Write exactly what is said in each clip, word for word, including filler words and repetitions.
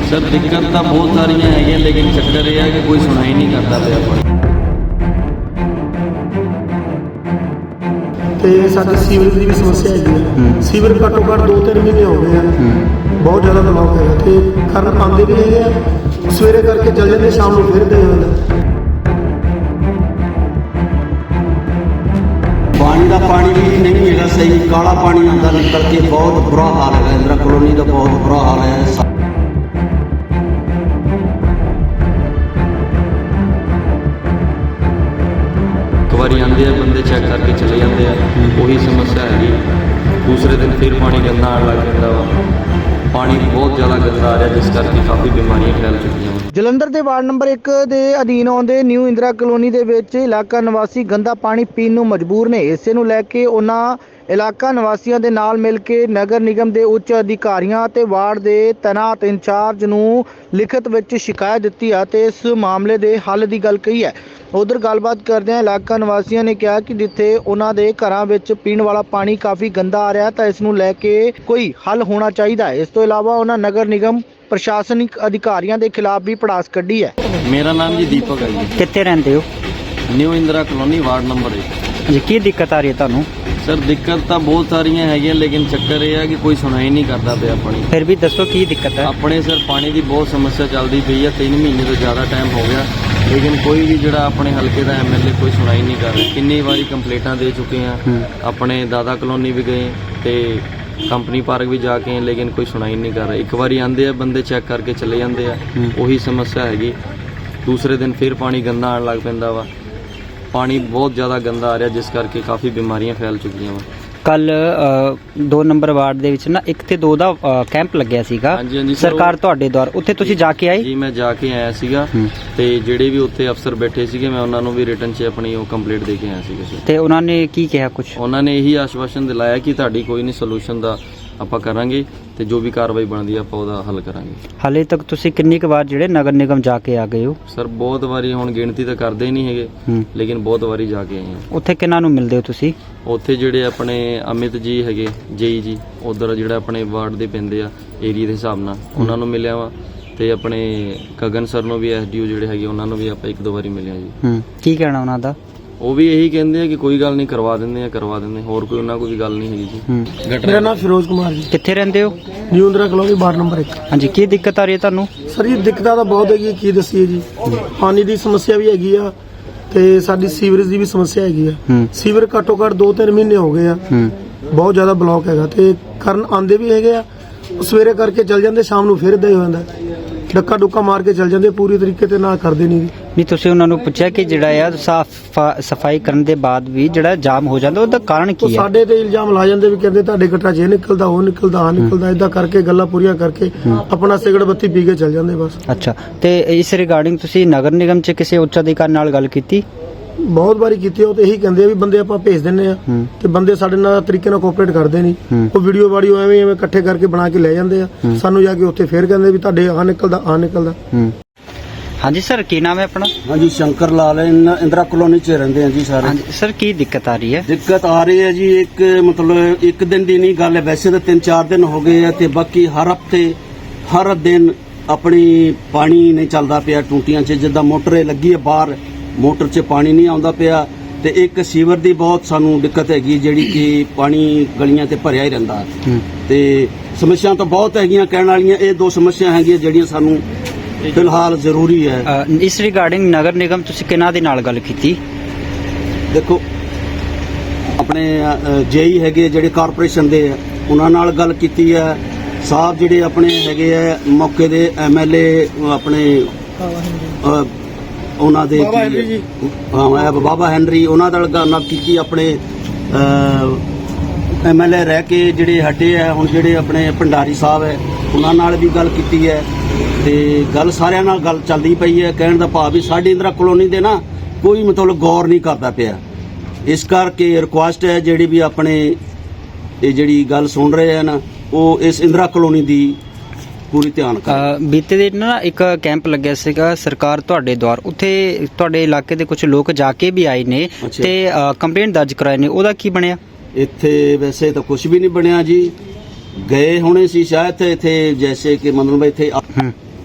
Sir दिक्कत तो बहुत सारियां है, लेकिन चक्कर यह है कि कोई सुनाई नहीं करता पे अपनी। ਤੇ ਸਾਡੇ ਸੀਵਰੇਜ ਦੀ ਵੀ ਸਮੱਸਿਆ ਹੈਗੀ ਹੈ। ਸੀਵਰ ਘੱਟੋ ਘੱਟ ਦੋ ਤਿੰਨ ਮਹੀਨੇ ਹੋ ਗਏ ਆ, ਬਹੁਤ ਜ਼ਿਆਦਾ ਬਲੌਕ ਹੈਗਾ ਤੇ ਕਰਨ ਆਉਂਦੇ ਵੀ ਹੈਗੇ ਆ, ਸਵੇਰੇ ਕਰਕੇ ਚੱਲ ਜਾਂਦੇ, ਸ਼ਾਮ ਨੂੰ ਫਿਰ ਦੇ ਜਾਂਦਾ। पानी का पानी भी नहीं है सही, काला पानी आता निकल के, बहुत बुरा हाल है इंदिरा कॉलोनी का, बहुत बुरा हाल है। एक बार आते हैं बंदे चेक करके चले जाते हैं, वही समस्या हैगी। दूसरे दिन फिर पानी गंदा आने लग जाता वा, पानी बहुत ज़्यादा गंदा आ रहा है, जिस करके काफ़ी बीमारियां फैल चुकी हैं। ਜਲੰਧਰ ਦੇ ਵਾਰਡ ਨੰਬਰ ਇੱਕ ਦੇ ਅਧੀਨ ਆਉਂਦੇ ਨਿਊ ਇੰਦਰਾ ਕਲੋਨੀ ਦੇ ਵਿੱਚ ਇਲਾਕਾ ਨਿਵਾਸੀ ਗੰਦਾ ਪਾਣੀ ਪੀਣ ਨੂੰ ਮਜਬੂਰ ਨੇ। ਇਸੇ ਨੂੰ ਲੈ ਕੇ ਉਹਨਾਂ ਇਲਾਕਾ ਨਿਵਾਸੀਆਂ ਦੇ ਨਾਲ ਮਿਲ ਕੇ ਨਗਰ ਨਿਗਮ ਦੇ ਉੱਚ ਅਧਿਕਾਰੀਆਂ ਅਤੇ ਵਾਰਡ ਦੇ ਤੈਨਾਤ ਇੰਚਾਰਜ ਨੂੰ ਲਿਖਤ ਵਿੱਚ ਸ਼ਿਕਾਇਤ ਦਿੱਤੀ ਹੈ ਤੇ ਇਸ ਮਾਮਲੇ ਦੇ ਹੱਲ ਦੀ ਗੱਲ ਕਹੀ ਹੈ। ਉਧਰ ਗੱਲਬਾਤ ਕਰਦਿਆਂ ਇਲਾਕਾ ਨਿਵਾਸੀਆਂ ਨੇ ਕਿਹਾ ਕਿ ਜਿੱਥੇ ਉਹਨਾਂ ਦੇ ਘਰਾਂ ਵਿੱਚ ਪੀਣ ਵਾਲਾ ਪਾਣੀ ਕਾਫੀ ਗੰਦਾ ਆ ਰਿਹਾ ਤਾਂ ਇਸ ਨੂੰ ਲੈ ਕੇ ਕੋਈ ਹੱਲ ਹੋਣਾ ਚਾਹੀਦਾ ਹੈ। ਇਸ ਤੋਂ ਇਲਾਵਾ ਉਹਨਾਂ ਨਗਰ ਨਿਗਮ ਪ੍ਰਸ਼ਾਸਨਿਕ ਅਧਿਕਾਰੀਆਂ ਦੇ ਖਿਲਾਫ ਵੀ ਪੜਾਸ ਕੱਢੀ ਹੈ। मेरा नाम जी दीपक है जी, ਕਿੱਥੇ ਰਹਿੰਦੇ ਹੋ new Indira colony ward number एक। ਜੀ ਕੀ ਦਿੱਕਤ ਆ ਰਹੀ ਹੈ ਤੁਹਾਨੂੰ? सर दिक्कत तो बहुत सारियां है, लेकिन चक्कर यह है कि कोई सुनाई नहीं करता पे अपनी। ਫਿਰ ਵੀ ਦੱਸੋ ਕੀ ਦਿੱਕਤ ਹੈ? अपने सर पानी की बहुत समस्या चलती पई है, तीन महीने तो ज़्यादा टाइम हो गया, लेकिन कोई भी जोड़ा अपने हल्के का एम एल ए कोई सुनाई नहीं कर रहा। किन्नी बारी कंप्लेंटा दे चुके हैं, अपने दादा कॉलोनी भी गए तो कंपनी पार्क भी जाके हैं, लेकिन कोई सुनाई नहीं कर रहा। एक बारी आते हैं बंदे चेक करके चले जाते हैं, वही समस्या हैगी। दूसरे दिन फिर पानी गंदा आने लग पैंदा वा, पानी बहुत ज़्यादा गंदा आ रहा, जिस करके काफ़ी बीमारियां फैल चुकी हैं। ਕੱਲ ਦੋ ਨੰਬਰ ਵਾਰਡ ਦੇ ਵਿੱਚ ਨਾ ਇੱਕ ਤੇ ਦੋ ਦਾ ਕੈਂਪ ਲੱਗਿਆ ਸੀਗਾ ਹਾਂਜੀ ਹਾਂਜੀ ਸਰਕਾਰ ਤੁਹਾਡੇ ਦੁਆਰਾ, ਉੱਥੇ ਤੁਸੀਂ ਜਾ ਕੇ ਆਏ? ਜੀ ਮੈਂ ਜਾ ਕੇ ਆਇਆ ਸੀਗਾ ਤੇ ਜਿਹੜੇ ਵੀ ਉੱਥੇ ਅਫਸਰ ਬੈਠੇ ਸੀਗੇ ਮੈਂ ਉਹਨਾਂ ਨੂੰ ਵੀ ਰਿਟਨ 'ਚ ਆਪਣੀ ਉਹ ਕੰਪਲੀਟ ਦੇ ਕੇ ਆਇਆ ਸੀਗਾ। ਤੇ ਉਹਨਾਂ ਨੇ ਕੀ ਕਿਹਾ ਕੁਝ? ਉਹਨਾਂ ਨੇ ਇਹੀ ਆਸ਼ਵਾਸਨ ਦਿਲਾਇਆ ਕਿ ਤੁਹਾਡੀ ਕੋਈ ਨਹੀਂ ਸੋਲੂਸ਼ਨ ਦਾ ਆਪਾਂ ਕਰਾਂਗੇ ਤੇ ਜੋ ਵੀ ਕਾਰਵਾਈ ਬਣਦੀ ਆਪਾਂ ਉਹਦਾ ਹੱਲ ਕਰਾਂਗੇ। ਹਾਲੇ ਤੱਕ ਤੁਸੀਂ ਕਿੰਨੀ ਕੁ ਵਾਰ ਜਿਹੜੇ ਨਗਰ ਨਿਗਮ ਜਾ ਕੇ ਆ ਗਏ ਹੋ? ਸਰ ਬਹੁਤ ਵਾਰੀ, ਹੁਣ ਗਿਣਤੀ ਤਾਂ ਕਰਦੇ ਹੀ ਨਹੀਂ ਹੈਗੇ, ਲੇਕਿਨ ਬਹੁਤ ਵਾਰੀ ਜਾ ਕੇ ਆਏ ਹਾਂ। ਉੱਥੇ ਕਿਹਨਾਂ ਨੂੰ ਮਿਲਦੇ ਹੋ ਤੁਸੀਂ? ਉੱਥੇ ਜਿਹੜੇ ਆਪਣੇ ਅਮਿਤ ਜੀ ਹੈਗੇ ਜੇਈ ਜੀ, ਉਧਰ ਜਿਹੜਾ ਆਪਣੇ ਵਾਰਡ ਦੇ ਪੈਂਦੇ ਆ ਏਰੀਆ ਦੇ ਹਿਸਾਬ ਨਾਲ, ਉਹਨਾਂ ਨੂੰ ਮਿਲਿਆ ਵਾ ਤੇ ਆਪਣੇ ਗਗਨ ਸਰ ਨੂੰ ਵੀ ਐਸਡੀਓ ਜਿਹੜੇ ਹੈਗੇ ਉਹਨਾਂ ਨੂੰ ਵੀ ਆਪਾਂ ਇੱਕ ਦੋ ਵਾਰੀ ਮਿਲਿਆ ਜੀ। ਹੂੰ, ਕੀ ਕਹਿਣਾ ਉਹਨਾਂ ਦਾ? ਉਹ ਵੀ ਇਹੀ ਕਹਿੰਦੇ ਆ ਕਿ ਕੋਈ ਗੱਲ ਨਹੀਂ, ਕਰਵਾ ਦਿੰਦੇ ਆ ਕਰਵਾ ਦਿੰਦੇ ਹੋਰ ਕੋਈ ਉਹਨਾਂ ਕੋਈ ਵੀ ਗੱਲ ਨਹੀਂ ਹੈਗੀ ਜੀ। ਮੇਰਾ ਨਾਮ ਫਿਰੋਜ਼ ਕੁਮਾਰ ਜੀ, ਕਿੱਥੇ ਰਹਿੰਦੇ ਹੋ? New Indira colony ward number ਇੱਕ। ਹਾਂਜੀ, ਕੀ ਦਿੱਕਤ ਆ ਰਹੀ ਹੈ ਤੁਹਾਨੂੰ? ਸਰ ਜੀ ਦਿੱਕਤਾਂ ਤਾਂ ਬਹੁਤ ਹੈਗੀ, ਕੀ ਦੱਸੀਏ ਜੀ। ਪਾਣੀ ਦੀ ਸਮੱਸਿਆ ਵੀ ਹੈਗੀ ਆ ਤੇ ਸਾਡੀ ਸੀਵਰੇਜ ਦੀ ਵੀ ਸਮੱਸਿਆ ਹੈਗੀ ਆ। ਸੀਵਰ ਘੱਟੋ ਘੱਟ ਦੋ ਤਿੰਨ ਮਹੀਨੇ ਹੋ ਗਏ ਆ, ਬਹੁਤ ਜ਼ਿਆਦਾ ਬਲੌਕ ਹੈਗਾ ਤੇ ਕਰਨ ਆਉਂਦੇ ਵੀ ਹੈਗੇ ਆ, ਸਵੇਰੇ ਕਰਕੇ ਚੱਲ ਜਾਂਦੇ, ਸ਼ਾਮ ਨੂੰ ਫਿਰ ਦੇ ਹੋ ਜਾਂਦਾ, ਡੱਕਾ ਡੁੱਕਾ ਮਾਰ ਕੇ ਚੱਲ ਜਾਂਦੇ, ਪੂਰੀ ਤਰੀਕੇ ਤੇ ਨਾ ਕਰਦੇ ਨਹੀਂ। ਨਹੀਂ ਤੁਸੀਂ ਉਹਨਾਂ ਨੂੰ ਪੁੱਛਿਆ ਕਿ ਜਿਹੜਾ ਆ ਸਾਫ ਸਫਾਈ ਕਰਨ ਦੇ ਬਾਅਦ ਵੀ ਜਿਹੜਾ ਜਾਮ ਹੋ ਜਾਂਦਾ ਉਹਦਾ ਕਾਰਨ ਉਹ ਕੀ ਹੈ? ਸਾਡੇ ਤੇ ਇਲਜ਼ਾਮ ਲਾ ਜਾਂਦੇ ਵੀ ਕਹਿੰਦੇ ਤੁਹਾਡੇ ਗੱਟਾ ਜੇ ਨਿਕਲਦਾ ਉਹ ਨਿਕਲਦਾ ਆ ਨਿਕਲਦਾ, ਏਦਾਂ ਕਰਕੇ ਗੱਲਾਂ ਪੂਰੀਆਂ ਕਰਕੇ ਆਪਣਾ ਸਿਗਰਟ ਬੱਤੀ ਪੀ ਕੇ ਚੱਲ ਜਾਂਦੇ ਬਸ। ਅੱਛਾ, ਤੇ ਇਸ ਰਿਗਾਰਡਿੰਗ ਤੁਸੀਂ ਨਗਰ ਨਿਗਮ 'ਚ ਕਿਸੇ ਉੱਚ ਅਧਿਕਾਰੀ ਨਾਲ ਗੱਲ ਕੀਤੀ? ਬਹੁਤ ਵਾਰੀ ਕੀਤੀ, ਉਹ ਤੇ ਇਹੀ ਕਹਿੰਦੇ ਆ ਵੀ ਬੰਦੇ ਆਪਾਂ ਭੇਜ ਦਿੰਨੇ ਆ ਤੇ ਬੰਦੇ ਸਾਡੇ ਨਾਲ ਤਰੀਕੇ ਨਾਲ ਕੋਆਪਰੇਟ ਕਰਦੇ ਨਹੀਂ। ਉਹ ਵੀਡੀਓ ਵਾਡੀਓ ਐਵੇਂ ਐਵੇਂ ਇਕੱਠੇ ਕਰਕੇ ਬਣਾ ਕੇ ਲੈ ਜਾਂਦੇ ਆ, ਸਾਨੂੰ ਜਾ ਕੇ ਉੱਥੇ ਫੇਰ ਕਹਿੰਦੇ ਵੀ ਤੁਹਾਡੇ ਆ ਨਿਕਲਦਾ ਆ ਨਿਕਲਦਾ। ਹਾਂਜੀ ਸਰ, ਕੀ ਨਾਮ ਹੈ ਆਪਣਾ? ਹਾਂਜੀ शंकर लाल इंदिरा कॉलोनी च रहंदे हैं जी सारे। ਹਾਂਜੀ ਸਰ, ਕੀ ਦਿੱਕਤ ਆ ਰਹੀ ਹੈ? ਦਿੱਕਤ ਆ ਰਹੀ ਹੈ ਜੀ, ਇੱਕ ਮਤਲਬ ਇੱਕ ਦਿਨ ਦੀ ਨਹੀਂ ਗੱਲ ਹੈ, ਵੈਸੇ ਤਾਂ ਤਿੰਨ ਚਾਰ ਦਿਨ ਹੋ ਗਏ ਆ ਤੇ ਬਾਕੀ ਹਰ ਹਫਤੇ ਹਰ ਦਿਨ ਆਪਣੀ ਪਾਣੀ ਨਹੀਂ ਚੱਲਦਾ ਪਿਆ ਟੂਟੀਆਂ 'ਚ, ਜਿੱਦਾਂ ਮੋਟਰ ਲੱਗੀ ਹੈ ਬਾਹਰ, ਮੋਟਰ 'ਚ ਪਾਣੀ ਨਹੀਂ ਆਉਂਦਾ ਪਿਆ ਤੇ ਇੱਕ ਸੀਵਰ ਦੀ ਬਹੁਤ ਸਾਨੂੰ ਦਿੱਕਤ ਹੈਗੀ, ਜਿਹੜੀ ਕਿ ਪਾਣੀ ਗਲੀਆਂ ਤੇ ਭਰਿਆ ਹੀ ਰਹਿੰਦਾ ਤੇ ਸਮੱਸਿਆ ਤਾਂ ਬਹੁਤ ਹੈਗੀਆਂ ਕਹਿਣ ਵਾਲੀਆਂ। ਇਹ ਦੋ ਸਮੱਸਿਆ ਹੈਗੀਆਂ ਜਿਹੜੀਆਂ ਸਾਨੂੰ ਫਿਲਹਾਲ ਜ਼ਰੂਰੀ ਹੈ। ਅ, ਇਸ ਰਿਗਾਰਡਿੰਗ ਨਗਰ ਨਿਗਮ ਤੁਸੀਂ ਕਿਹਨਾਂ ਦੇ ਨਾਲ ਗੱਲ ਕੀਤੀ? ਦੇਖੋ ਆਪਣੇ ਜੇਈ ਹੈਗੇ ਜਿਹੜੇ ਕਾਰਪੋਰੇਸ਼ਨ ਦੇ, ਉਹਨਾਂ ਨਾਲ ਗੱਲ ਕੀਤੀ ਹੈ। ਸਾਹਿਬ ਜਿਹੜੇ ਆਪਣੇ ਹੈਗੇ ਆ ਮੌਕੇ ਦੇ ਐਮਐਲਏ ਆਪਣੇ ਉਹਨਾਂ ਦੇ ਹਾਂ ਬਾਬਾ ਹੈਨਰੀ, ਉਹਨਾਂ ਨਾਲ ਗੱਲ ਕੀਤੀ। ਆਪਣੇ ਐਮਐਲਏ ਰਹਿ ਕੇ ਜਿਹੜੇ ਹਟੇ ਆ ਹੁਣ, ਜਿਹੜੇ ਆਪਣੇ ਭੰਡਾਰੀ ਸਾਹਿਬ ਹੈ, ਉਹਨਾਂ ਨਾਲ ਵੀ ਗੱਲ ਕੀਤੀ ਹੈ ਤੇ ਗੱਲ ਸਾਰਿਆਂ ਨਾਲ ਗੱਲ ਚੱਲਦੀ ਪਈ ਹੈ। ਕਹਿਣ ਦਾ ਭਾਵ ਵੀ ਸਾਡੀ ਇੰਦਰਾ ਕਲੋਨੀ ਦੇ ਨਾ ਕੋਈ ਮਤਲਬ ਗੌਰ ਨਹੀਂ ਕਰਦਾ ਪਿਆ। ਇਸ ਕਰਕੇ ਰਿਕੁਐਸਟ ਹੈ ਜਿਹੜੀ ਵੀ ਆਪਣੇ ਇਹ ਜਿਹੜੀ ਗੱਲ ਸੁਣ ਰਹੇ ਹਨ ਉਹ ਇਸ ਇੰਦਰਾ ਕਲੋਨੀ ਦੀ ਪੂਰੀ ਧਿਆਨ ਕਰ। ਬੀਤੇ ਦਿਨ ਨਾ ਇੱਕ ਕੈਂਪ ਲੱਗਿਆ ਸੀਗਾ ਸਰਕਾਰ ਤੁਹਾਡੇ ਦੁਆਰ, ਉੱਥੇ ਤੁਹਾਡੇ ਇਲਾਕੇ ਦੇ ਕੁਝ ਲੋਕ ਜਾ ਕੇ ਵੀ ਆਏ ਨੇ ਤੇ ਕੰਪਲੇਂਟ ਦਰਜ ਕਰਾਏ ਨੇ, ਉਹਦਾ ਕੀ ਬਣਿਆ? ਇੱਥੇ ਵੈਸੇ ਤਾਂ ਕੁਝ ਵੀ ਨਹੀਂ ਬਣਿਆ ਜੀ, ਗਏ ਹੋਣੇ ਸੀ ਸ਼ਾਇਦ ਇੱਥੇ, ਜੈਸੇ ਕਿ ਮਤਲਬ ਇੱਥੇ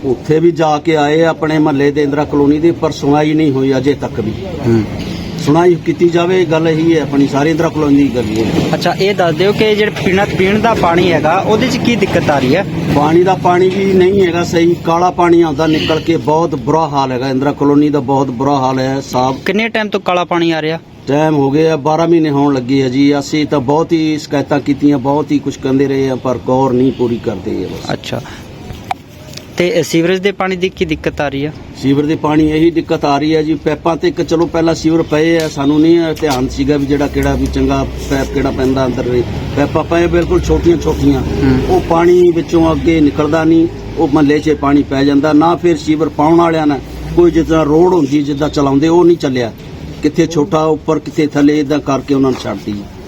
ਉੱਥੇ ਵੀ ਜਾ ਕੇ ਆਏ ਆਪਣੇ ਮਹੱਲੇ ਦੇ ਇੰਦਰਾ ਕਲੋਨੀ ਦੇ, ਪਰ ਸੁਣਾਈ ਨਹੀਂ ਹੋਈ ਅਜੇ ਤੱਕ ਵੀ। ਸੁਣਾਈ ਕੀਤੀ ਜਾਵੇ, ਗੱਲ ਇਹੀ ਹੈ ਆਪਣੀ ਸਾਰੀ ਇੰਦਰਾ ਕਲੋਨੀ ਦੀ ਗੱਲ ਹੈ। ਅੱਛਾ, ਇਹ ਦੱਸ ਦਿਓ ਕਿ ਜਿਹੜਾ ਪੀਣਾ ਪੀਣ ਦਾ ਪਾਣੀ ਹੈਗਾ ਉਹਦੇ 'ਚ ਕੀ ਦਿੱਕਤ ਆ ਰਹੀ ਹੈ? ਪਾਣੀ ਦਾ ਪਾਣੀ ਵੀ ਨਹੀਂ ਹੈਗਾ ਸਹੀ, ਕਾਲਾ ਪਾਣੀ ਆਉਂਦਾ ਨਿਕਲ ਕੇ, ਬਹੁਤ ਬੁਰਾ ਹਾਲ ਹੈਗਾ ਇੰਦਰਾ ਕਲੋਨੀ ਦਾ, ਬਹੁਤ ਬੁਰਾ ਹਾਲ ਹੈ ਸਾਹਬ। ਕਿੰਨੇ ਟਾਈਮ ਤੋਂ ਕਾਲਾ ਪਾਣੀ ਆ ਰਿਹਾ? ਟਾਈਮ ਹੋ ਗਿਆ ਬਾਰਾਂ ਮਹੀਨੇ ਹੋਣ ਲੱਗੇ ਆ ਜੀ। ਅਸੀਂ ਤਾਂ ਬਹੁਤ ਹੀ ਸ਼ਿਕਾਇਤਾਂ ਕੀਤੀਆਂ, ਬਹੁਤ ਹੀ ਕੁਝ ਕਹਿੰਦੇ ਰਹੇ ਆ, ਪਰ ਗੌਰ ਨਹੀਂ ਪੂਰੀ ਕਰਦੇ ਆ ਬਸ। ਅੱਛਾ, ਤੇ ਸੀਵਰੇਜ ਦੇ ਪਾਣੀ ਦੀ ਕੀ ਦਿੱਕਤ ਆ ਰਹੀ ਹੈ? ਸੀਵਰ ਦੇ ਪਾਣੀ ਇਹੀ ਦਿੱਕਤ ਆ ਰਹੀ ਹੈ ਜੀ। ਪੈਪਾਂ ਤੇ ਇੱਕ ਚਲੋ ਪਹਿਲਾਂ ਸੀਵਰ ਪਏ ਆ, ਸਾਨੂੰ ਨਹੀਂ ਧਿਆਨ ਸੀਗਾ ਵੀ ਜਿਹੜਾ ਕਿਹੜਾ ਵੀ ਚੰਗਾ ਪੈਪ ਕਿਹੜਾ ਪੈਂਦਾ ਅੰਦਰ। ਪੈਪਾਂ ਪਏ ਬਿਲਕੁਲ ਛੋਟੀਆਂ ਛੋਟੀਆਂ, ਉਹ ਪਾਣੀ ਵਿੱਚੋਂ ਅੱਗੇ ਨਿਕਲਦਾ ਨਹੀਂ, ਉਹ ਮਹੱਲੇ 'ਚ ਪਾਣੀ ਪੈ ਜਾਂਦਾ। ਨਾ ਫਿਰ ਸੀਵਰ ਪਾਉਣ ਵਾਲਿਆਂ ਨੇ ਕੋਈ ਜਿੱਦਾਂ ਰੋਡ ਹੁੰਦੀ ਜਿੱਦਾਂ ਚਲਾਉਂਦੇ ਉਹ ਨਹੀਂ ਚੱਲਿਆ, ਕਿੱਥੇ ਛੋਟਾ ਉੱਪਰ ਕਿੱਥੇ ਥੱਲੇ, ਇਦਾਂ ਕਰਕੇ ਉਹਨਾਂ ਨੇ ਛੱਡਤੀ।